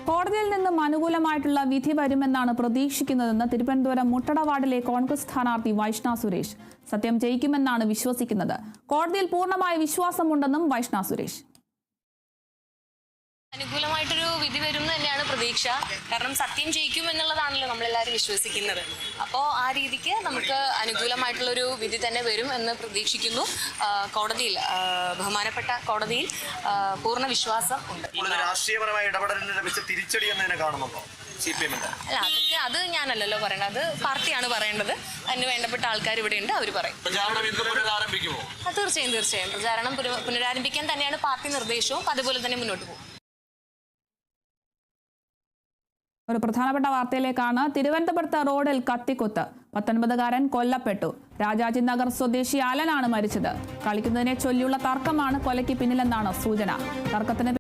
കോടതിയിൽ നിന്നും അനുകൂലമായിട്ടുള്ള വിധി വരുമെന്നാണ് പ്രതീക്ഷിക്കുന്നതെന്ന് തിരുവനന്തപുരം മുട്ടട വാർഡിലെ കോൺഗ്രസ് സ്ഥാനാർത്ഥി വൈഷ്ണ സുരേഷ്. സത്യം ജയിക്കുമെന്നാണ് വിശ്വസിക്കുന്നത്. കോടതിയിൽ പൂർണ്ണമായ വിശ്വാസമുണ്ടെന്നും വൈഷ്ണ സുരേഷ്. അനുകൂലമായിട്ടൊരു വിധി വരും എന്ന് തന്നെയാണ് പ്രതീക്ഷ. കാരണം സത്യം ജയിക്കും എന്നുള്ളതാണല്ലോ നമ്മളെല്ലാവരും വിശ്വസിക്കുന്നത്. അപ്പോൾ ആ രീതിക്ക് നമുക്ക് അനുകൂലമായിട്ടുള്ളൊരു വിധി തന്നെ വരും എന്ന് പ്രതീക്ഷിക്കുന്നു. കോടതിയിൽ, ബഹുമാനപ്പെട്ട കോടതിയിൽ പൂർണ്ണ വിശ്വാസം ഉണ്ട്. രാഷ്ട്രീയപരമായ ഇടപെടലിന് ലഭിച്ച തിരിച്ചടി എന്നതിനെ കാണുന്നുണ്ടോ? അല്ല, അത് ഞാനല്ലല്ലോ പറയേണ്ടത്, അത് പാർട്ടിയാണ് പറയേണ്ടത്. അതിന് വേണ്ടപ്പെട്ട ആൾക്കാർ ഇവിടെ ഉണ്ട്, അവർ പറയും. തീർച്ചയായും പ്രചാരണം പുനരാരംഭിക്കാൻ തന്നെയാണ് പാർട്ടി നിർദ്ദേശവും. അതുപോലെ തന്നെ മുന്നോട്ട് പോകും. ഒരു പ്രധാനപ്പെട്ട വാർത്തയിലേക്കാണ്. തിരുവനന്തപുരത്ത് റോഡിൽ കത്തിക്കുത്ത്, 19കാരൻ കൊല്ലപ്പെട്ടു. രാജാജി നഗർ സ്വദേശി അലനാണ് മരിച്ചത്. കളിക്കുന്നതിനെ ചൊല്ലിയുള്ള തർക്കമാണ് കൊലയ്ക്ക് പിന്നിലെന്നാണ് സൂചന. തർക്കത്തിന്